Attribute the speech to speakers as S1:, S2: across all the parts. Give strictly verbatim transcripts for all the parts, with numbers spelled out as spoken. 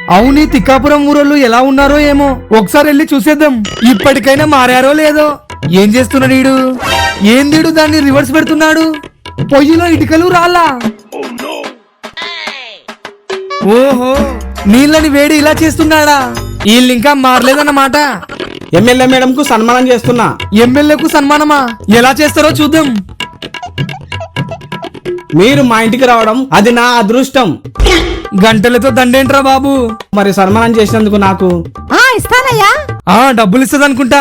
S1: అవును తిక్కాపురం ఊరోళ్ళు ఎలా ఉన్నారో ఏమో ఒకసారి వెళ్ళి చూసేద్దాం. ఇప్పటికైనా మారారో లేదో. ఏం చేస్తున్నాడు వీడు? ఏం వీడు దాన్ని రివర్స్ పెడుతున్నాడు? పొయ్యిలో ఇటుకలు రాళ్ళా? ఓహో, నీళ్ళని వేడి ఇలా చేస్తున్నాడా? వీళ్ళు ఇంకా మారలేదన్నమాట.
S2: ఎమ్మెల్యే మేడం కు సన్మానం చేస్తున్నా.
S1: ఎమ్మెల్యేకు సన్మానమా? ఎలా చేస్తారో చూద్దాం.
S2: మీరు మా ఇంటికి రావడం అది నా అదృష్టం.
S1: గంటలతో దండేంట్రా బాబు.
S2: మరి సన్మానం చేసినందుకు నాకు
S3: ఇస్తానయ్యా.
S1: ఆ డబ్బులు ఇస్తుంది అనుకుంటా.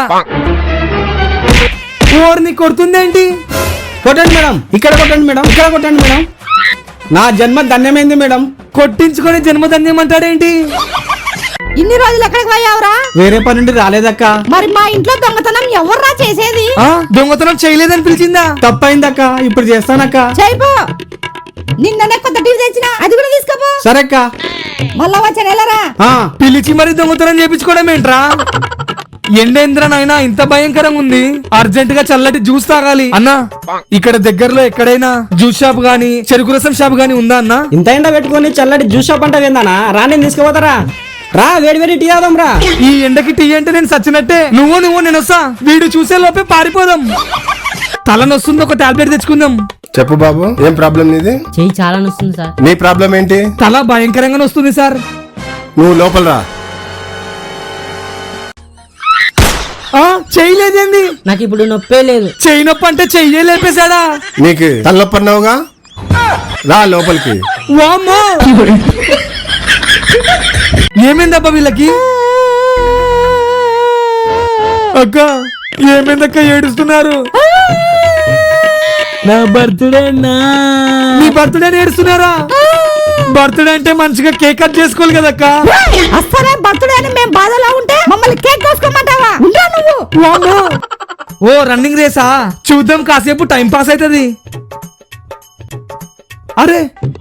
S1: ఓర్ని కొడుతుందేంటి?
S2: కొట్టండి మేడం, ఇక్కడ కొట్టండి మేడం, ఇక్కడ కొట్టండి మేడం. నా జన్మ ధన్యమైంది మేడం.
S1: కొట్టించుకొని జన్మధన్యం అంటాడేంటి?
S3: ఇన్ని రోజులు ఎక్కడికి పోయావురా?
S2: వేరే పని నుండి రాలేదక్క.
S3: మరి మా ఇంట్లో దొంగతనం ఎవర్రా చేసేది?
S1: ఆ దొంగతనం చేయలేదని పిలిచిందా?
S2: తప్పైందక్క, ఇప్పుడు చేస్తానక్క.
S3: చేయిపో. నిన్ననే కొత్త టీవీ తెచ్చినా, అది కూడా తీసుకోపో.
S2: సరే అక్క.
S3: మళ్ళా వచ్చే నెలరా
S1: పిలిచి మరి దొంగతనం చేపించుకోవడం ఏంట్రా? ఎండేంద్ర నాయనా ఇంత భయంకరంగా ఉంది. అర్జెంట్ గా చల్లటి జ్యూస్ తాగాలి అన్నా. ఇక్కడ దగ్గరలో ఎక్కడైనా జ్యూస్ షాప్ గానీ చెరుకు రసం షాప్ గానీ ఉందా అన్నా?
S2: ఇంత ఎండ పెట్టుకుని చల్లటి జ్యూస్ షాప్ అంటే ఏందన్నా? రా, నేను తీసుకుపోతారా? రా, వేడి వేడి టీ ఆదాం రా.
S1: ఈ ఎండకి టీ అంటే నేను సచ్చినట్టే. నువ్వు నువ్వు నేను వస్తా. వీడు చూసే లోపే పారిపోదాం. తలనొస్తుంది, ఒక టాబ్లెట్ తెచ్చుకుందాం.
S4: చెప్పు బాబు, ఏం ప్రాబ్లం నీది?
S5: చెయ్యి చాలా నొస్తుంది సార్.
S4: నీ ప్రాబ్లం ఏంటి?
S1: తల భయంకరంగా వస్తుంది సార్.
S4: నువ్వు లోపల రా.
S1: చేయలేదేంది?
S5: నాకు ఇప్పుడు నొప్పే లేదు.
S1: చెయ్యి నొప్పి అంటే చెయ్యే లేపేశాడా?
S4: నీకు తలనొప్పి అన్నావుగా, రా లోపలికి.
S1: వామ్మో, ఏమైందబ్బా వీళ్ళకి? అక్క ఏమైందక్క ఏడుస్తున్నారు?
S5: నా బర్త్డే నా
S1: నీ బర్త్డే ఏడుస్తున్నారా? బర్త్డే అంటే మంచిగా కేక్ కట్ చేసుకోవాలి కదక్క.
S3: అసలే బర్త్డే అని మేము బాధలో ఉంటే మమ్మల్ని కేక్ కోసుకోమంటావా? ఉండరా నువ్వు?
S1: వామ్మో. ఓ రన్నింగ్ రేసా? చూద్దాం, కాసేపు టైం పాస్ అవుతుంది. అరే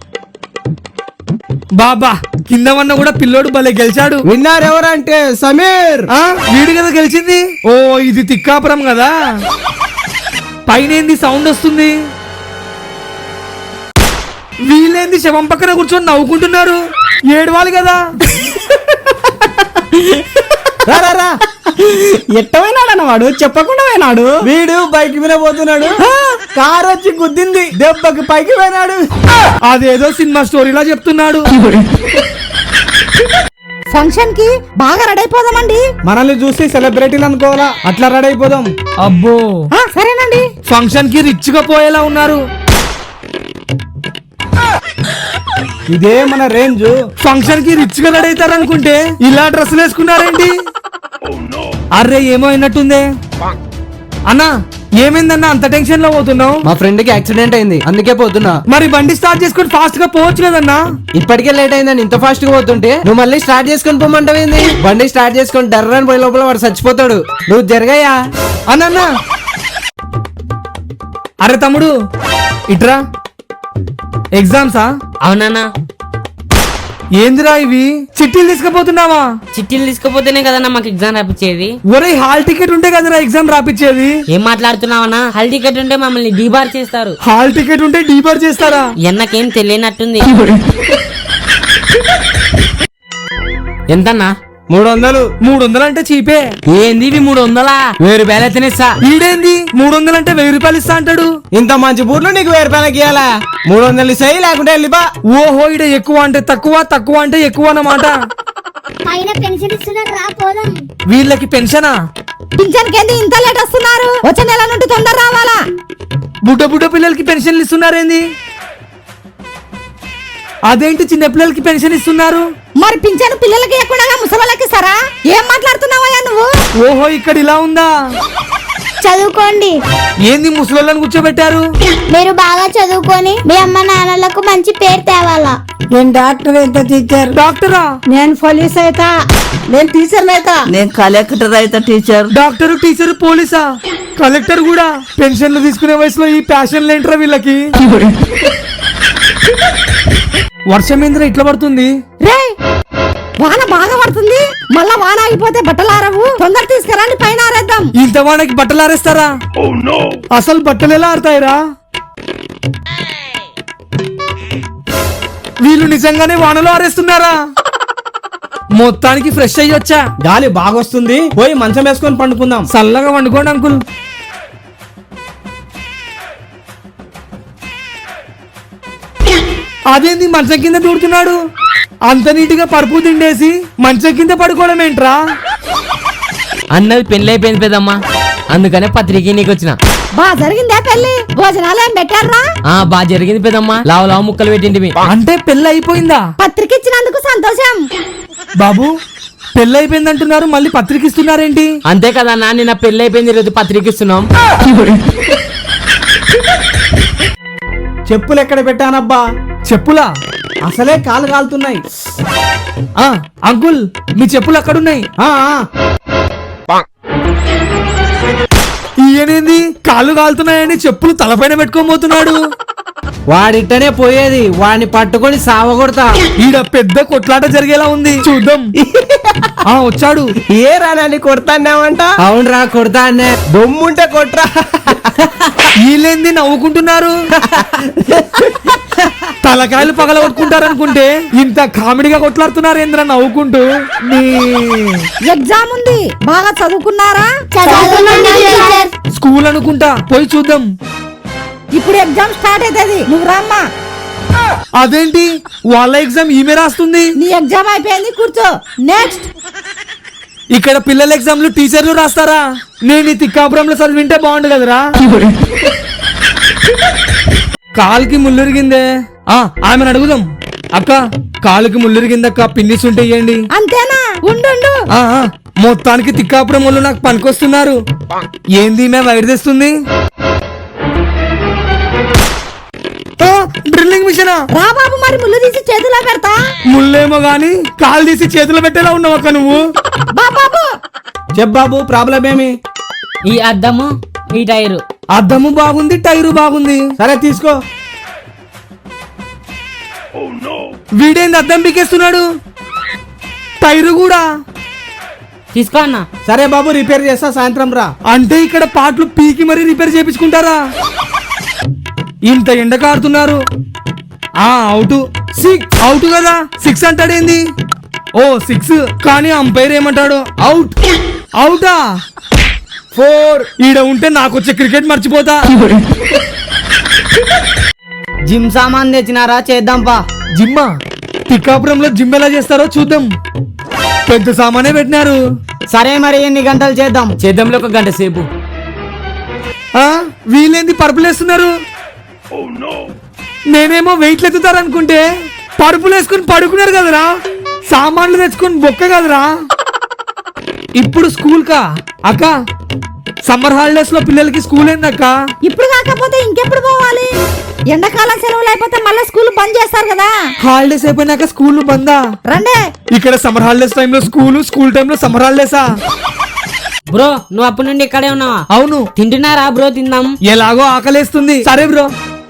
S1: బాబా, కింద వన్న కూడా పిల్లోడు భలే గెలిచాడు.
S2: విన్నారు ఎవరంటే సమీర్.
S1: ఆ వీడు కదా గెలిచింది. ఓ ఇది తిక్కాపురం కదా. పైన ఏంది సౌండ్ వస్తుంది? వీళ్ళేంది శవం పక్కన కూర్చొని నవ్వుకుంటున్నారు? ఏడవాలి కదా.
S2: ఎట్టమైనాడు వాడు, చెప్పకుండా పోయినాడు. వీడు బైక్ మీద పోతున్నాడు, కారు వచ్చి గుద్దింది, దెబ్బకి పైకి పోయినాడు.
S1: అదేదో సినిమా స్టోరీలా చెప్తున్నాడు.
S3: ఫంక్షన్ కి బాగా రెడీ అయిపోదామండి.
S2: మనల్ని చూసి సెలబ్రిటీలు అనుకోవాలా, అట్లా రెడీ అయిపోదాం.
S1: అబ్బో,
S3: సరేనండి.
S1: ఫంక్షన్ కి రిచ్ గా పోయేలా ఉన్నారు.
S2: ఇదే మన రేంజ్.
S1: ఫంక్షన్ కి రిచ్ గా రెడీ అవుతారు అనుకుంటే ఇలా డ్రెస్సులు వేసుకున్నారేంటి? అర్రే ఏమో అయినట్టుందే. అన్నా ఏమైందన్నా అంత టెన్షన్ లో పోతున్నావు?
S6: మా ఫ్రెండ్ కి యాక్సిడెంట్ అయింది, అందుకే పోతున్నా.
S1: మరి బండి స్టార్ట్ చేసుకొని ఫాస్ట్ గా పోవచ్చు కదన్నా.
S6: ఇప్పటికే లేట్ అయిందని ఇంత ఫాస్ట్ గా పోతుంటే నువ్వు మళ్ళీ స్టార్ట్ చేసుకొని పోమంటావేంది? బండి స్టార్ట్ చేసుకొని డర్రని పోయే లోపల వాడు చచ్చిపోతాడు. నువ్వు జరగయ్యా
S1: అన్నా. అరే తమ్ముడు ఇట్రా. ఎగ్జామ్సా?
S5: అవునన్నా.
S1: ఏందిరా ఇవి? చిట్టీలు తీసుకుపోతున్నావా?
S5: చిట్టీలు తీసుకుపోతేనే కదన్నా మాకు ఎగ్జామ్ రాపిచ్చేది.
S1: ఒరే హాల్ టికెట్ ఉంటే కదరా ఎగ్జామ్ రాపిచ్చేది.
S5: ఏం మాట్లాడుతున్నావన్నా? హాల్ టికెట్ ఉంటే మమ్మల్ని డీబార్ చేస్తారు.
S1: హాల్ టికెట్ ఉంటే డీబార్ చేస్తారా?
S5: ఎన్నకేం తెలియనట్టుంది. ఎంతన్నా?
S2: మూడు వందలు.
S1: మూడు వందలు అంటే చీపే.
S5: ఏంది ఇవి మూడు వందలా? వెయ్యి రూపాయలు తినేస్తా.
S1: ఈడేంది మూడు వందలు అంటే వెయ్యి రూపాయలు ఇస్తా అంటాడు?
S2: ఇంత మంచి బూట్లు నీకు వెయ్యి రూపాయలకి ఇవ్వాలా? మూడు వందలు ఇస్తాయి, లేకుంటే వెళ్ళిపా.
S1: ఓహో, ఈడ ఎక్కువ అంటే తక్కువ, తక్కువ అంటే ఎక్కువ అన్నమాట.
S7: పైన పెన్షన్ ఇస్తున్నారు, రా పోదాం.
S1: వీళ్ళకి పెన్షనా?
S3: పింఛన్ కింద ఇంత లేట్ వస్తున్నారు? వచ్చే నెల నుండి తొందర రావాలా?
S1: బుడ్డ బుడ్డ పిల్లలకి పెన్షన్లు ఇస్తున్నారేంది? అదేంటి చిన్న పిల్లలకి పెన్షన్ ఇస్తున్నారు?
S3: మరి పింఛన్ పిల్లలకి ఎక్కడ ముసలికి ఇస్తారా? ఏం మాట్లాడుతున్నావయ్యా నువ్వు?
S1: ఓహో, ఇక్కడ ఇలా ఉందా?
S7: చదువుకోండి.
S1: ఏంది ముసలోళ్ళని కూర్చోబెట్టారు?
S7: మీరు బాగా చదువుకొని మీ అమ్మ నాన్నలకు మంచి పేరు తేవాలా.
S3: నేను డాక్టర్ అయితే టీచర్.
S1: డాక్టరా?
S3: నేను పోలీస్ అయితా. నేను టీచర్ అయితా.
S8: నేను కలెక్టర్ అయితే టీచర్.
S1: డాక్టర్, టీచర్, పోలీసా, కలెక్టర్ కూడా. పెన్షన్లు తీసుకునే వయసులో ఈ ప్యాషన్లు ఏంట్రా వీళ్ళకి? వర్షం ఏంద్రా ఇట్లా పడుతుంది?
S3: రే వాన బాగా పడుతుంది. మళ్ళా వాన ఆగిపోతే బట్టలు ఆరవు. తొందర తీసుకురండి, పైన ఆరేద్దాం.
S1: ఇంత వానకి బట్టలు ఆరేస్తారా? అసలు బట్టలు ఎలా ఆడతాయిరా? వీళ్ళు నిజంగానే వానలో ఆరేస్తున్నారా? మొత్తానికి ఫ్రెష్ అయ్యి వచ్చా.
S2: గాలి బాగొస్తుంది, పోయి మంచం వేసుకొని పండుకుందాం.
S1: చల్లగా వండుకోండి అంకుల్. అదేంది మంచం కింద దూడుతున్నాడు? అంత నీటిగా పరుపు తిండేసి మంచం కింద పడుకోవడం ఏంట్రా?
S5: అన్నది పెళ్లి అయిపోయింది పెద్దమ్మా, అందుకనే పత్రిక నీకు వచ్చిన.
S3: బా జరిగిందే పెళ్లి, భోజనాలు ఏం పెట్టారా?
S5: ఆ బాగా జరిగింది పెద్దమ్మా, లావు లావు ముక్కలు పెట్టింటివి.
S1: అంటే పెళ్ళి అయిపోయిందా?
S3: పత్రిక ఇచ్చినందుకు సంతోషం.
S1: బాబు పెళ్ళి అయిపోయింది అంటున్నారు, మళ్ళీ పత్రిక ఇస్తున్నారేంటి?
S5: అంతే కదా అన్న, నిన్న పెళ్లి అయిపోయింది, ఈరోజు పత్రిక ఇస్తున్నాం.
S2: చెప్పులు ఎక్కడ పెట్టానబ్బా?
S1: చెప్పులా?
S2: అసలే కాలు కాలుతున్నాయి.
S1: ఆ అంకుల్ మీ చెప్పులు అక్కడున్నాయి.
S2: ఆ, ఆ.
S1: ఈయనేంది కాళ్ళు కాలుతున్నాయని చెప్పులు తలపైన పెట్టుకోబోతున్నాడు?
S6: వాడిట్టనే పోయేది, వాడిని పట్టుకొని సావగొడతా.
S1: ఈడ పెద్ద కొట్లాట జరిగేలా ఉంది, చూద్దాం. ఆ వచ్చాడు.
S2: ఏ రానాన్ని కొడతాన్నావంట?
S6: అవునరా కొడతా అన్నే.
S2: దొమ్ముంటే కొట్రా.
S1: వీళ్ళేంది నవ్వుకుంటున్నారు? తలకాయలు పగలగొట్టుకుంటారు అనుకుంటే ఇంత కామెడీగా కొట్లాడుతున్నారు ఏంద్ర నవ్వుకుంటూ. నీ
S3: ఎగ్జామ్ ఉంది, బాగా చదువుకున్నారా?
S7: చదువుకున్నాం టీచర్.
S1: స్కూల్ అనుకుంటా, పోయి చూద్దాం.
S3: ఇప్పుడు ఎగ్జామ్ స్టార్ట్ అవుతుంది, నువ్వు రామ్మా.
S1: అదేంటి వాళ్ళ ఎగ్జామ్ ఈమె రాస్తుంది?
S3: నీ ఎగ్జామ్ అయిపోయింది, కూర్చో. నెక్స్ట్.
S1: ఇక్కడ పిల్లల ఎగ్జామ్లు టీచర్లు రాస్తారా? నేను ఈ తిక్కాపురంలో చదివింటే బాగుండు కదరా. కాలుకి ముళ్ళురిగిందే. ఆ ఆమెను అడుగుదాం. అక్క కాలుకి ముళ్ళురిగిందక్క, పిన్నిస్ ఉంటే ఇయ్యండి.
S3: అంతేనా? ఉండు ఉండు.
S1: ఆ, ఆ, మొత్తానికి తిక్కాపురం వాళ్ళు నాకు పనికొస్తున్నారు. ఏంది మేము వైర్ తెస్తుంది? ఆ, డ్రిల్లింగ్ మిషనా?
S3: రా బాబు, మరి ముళ్ళు తీసి చేతిలో పెడతా.
S1: ముళ్ళేమో గాని కాలు తీసి చేతిలో పెట్టేలా ఉన్నావు అక్క నువ్వు.
S3: బా బాబు.
S2: చెప్పాబు ప్రాబ్లం ఏమి?
S5: ఈ అద్దము, ఈ టైరు.
S1: అద్దము బాగుంది, టైరు బాగుంది.
S2: సరే తీసుకో.
S1: వీడేంది అద్దం పీకేస్తున్నాడు? టైరు కూడా.
S5: తీసుకో అన్న.
S2: సరే బాబు, రిపేర్ చేస్తా, సాయంత్రం రా.
S1: అంటే ఇక్కడ పాటలు పీకి మరీ రిపేర్ చేపించుకుంటారా? ఇంత ఎండ కారుతున్నారు. ఆ అవుట్. సిక్స్ అవుట్ కదా, సిక్స్ అంటాడేంది? ఓ సిక్స్, కానీ అంపైర్ ఏమంటాడు? అవుట్. అవుటా? ఫోర్. ఈడ ఉంటే నాకు వచ్చే క్రికెట్ మర్చిపోతా.
S5: జిమ్ సామాన్ తెచ్చినారా, చేద్దాం పా.
S1: జిమ్మా? పిక్కాపురంలో జిమ్ ఎలా చేస్తారో చూద్దాం. పెద్ద సామానే పెట్టినారు.
S5: సరే మరి ఎన్ని గంటలు చేద్దాం? చేద్దాంలో ఒక గంట సేపు.
S1: ఆ వీళ్ళేంది పరుపులు వేస్తున్నారు? నేనేమో వెయిట్లు ఎత్తుతారనుకుంటే పరుపులు వేసుకుని పడుకున్నారు కదరా. సామాన్లు తెచ్చుకుని బొక్క కదరా. ఇప్పుడు స్కూల్ కా అక్క? సమ్మర్ హాలిడేస్ లో పిల్లలకి స్కూల్ ఏందక్క?
S3: ఇప్పుడు కాకపోతే ఇంకెప్పుడు పోవాలి? ఎండాకాలం సెలవులు అయిపోతే మళ్ళీ స్కూల్ బంద్ చేస్తారు కదా.
S1: హాలిడేస్ అయిపోయినాక స్కూల్ బందా?
S3: రండే.
S1: ఇక్కడ సమ్మర్ హాలిడేస్ టైంలో స్కూల్, స్కూల్ టైంలో సమ్మర్ హాలిడేసా?
S5: బ్రో నువ్వు అప్పటి నుండి ఇక్కడే ఉన్నావా?
S1: అవును.
S5: తింటున్నారా బ్రో? తిందాం.
S1: ఎలాగో ఆకలేస్తుంది. సరే బ్రో.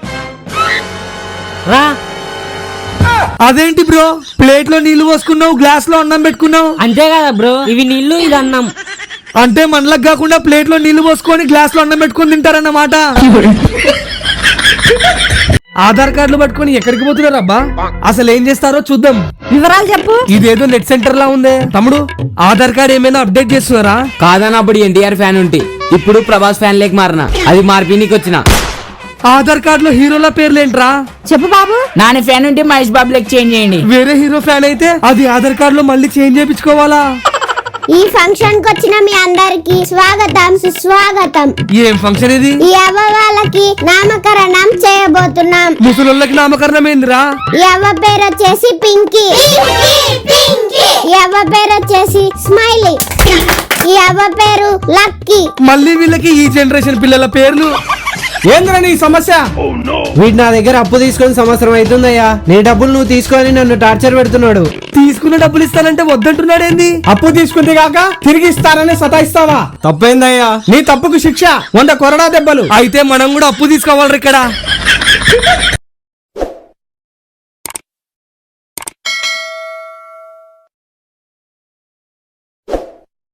S5: రా.
S1: అదేంటి బ్రో ప్లేట్ లో నీళ్లు పోసుకున్నావు, గ్లాస్ లో అన్నం పెట్టుకున్నావు?
S5: అంతే కదా బ్రో, ఇవి నీళ్లు, ఇది అన్నం.
S1: అంటే మనలకు కాకుండా ప్లేట్ లో నీళ్లు పోసుకొని గ్లాస్ లో అన్నం పెట్టుకొని తింటారన్నమాట. ఆధార్ కార్డులు పట్టుకొని ఎక్కడికి పోతున్నారు అబ్బా? అసలు ఏం చేస్తారో చూద్దాం.
S3: వివరాలు చెప్పు.
S1: ఇదేదో నెట్ సెంటర్ లా ఉందే. తమ్ముడు ఆధార్ కార్డ్ ఏమైనా అప్డేట్ చేస్తున్నారా?
S5: కాదన్న, అప్పుడు ఎన్టీఆర్ ఫ్యాన్ ఉంటే ఇప్పుడు ప్రభాస్ ఫ్యాన్ లేక మారిన, అది మార్పినికి వచ్చిన.
S1: ఆధార్ కార్డ్ లో హీరోల పేర్లేంట్రా?
S3: చెప్పు బాబు.
S5: నాని ఫ్యాన్ ఉంటే మహేష్ బాబు లెక్క చేంజ్ చేయండి.
S1: వేరే హీరో ఫ్యాన్ అయితే అది ఆధార్ కార్డ్ లో మళ్ళీ చేంజ్ చేయించుకోవాలా?
S7: ఈ ఫంక్షన్ కు వచ్చిన మీ అందరికి స్వాగతం సుస్వాగతం.
S1: ఏం ఫంక్షన్ ఇది?
S7: ఈ అవ్వ వాళ్ళకి నామకరణం చేయబోతున్నాం.
S1: ముసలోళ్ళకి నామకరణం ఏందిరా?
S7: ఈ అవ్వ పేరు వచ్చేసి పింకీ. ఈ అవ్వ పేరు వచ్చేసి స్మైలీ. ఈ అవ్వ పేరు లక్కీ.
S1: మళ్ళీ వీళ్ళకి ఈ జనరేషన్ పిల్లల పేర్లు.
S2: ఏంద్రా నీ సమస్య?
S6: వీడు నా దగ్గర అప్పు తీసుకొని సంవత్సరం అవుతుందయ్యా. నీ డబ్బులు నువ్వు తీసుకొని నన్ను టార్చర్ పెడుతున్నాడు.
S1: తీసుకున్న డబ్బులు ఇస్తానంటే వద్దంటున్నాడేంది?
S2: అప్పు తీసుకుంటే కాక తిరిగి ఇస్తానని సతాయిస్తావా? తప్పైందయ్యా. నీ తప్పుకు శిక్ష వంద కొరడా దెబ్బలు.
S1: అయితే మనం కూడా అప్పు తీసుకోవాలి ఇక్కడ.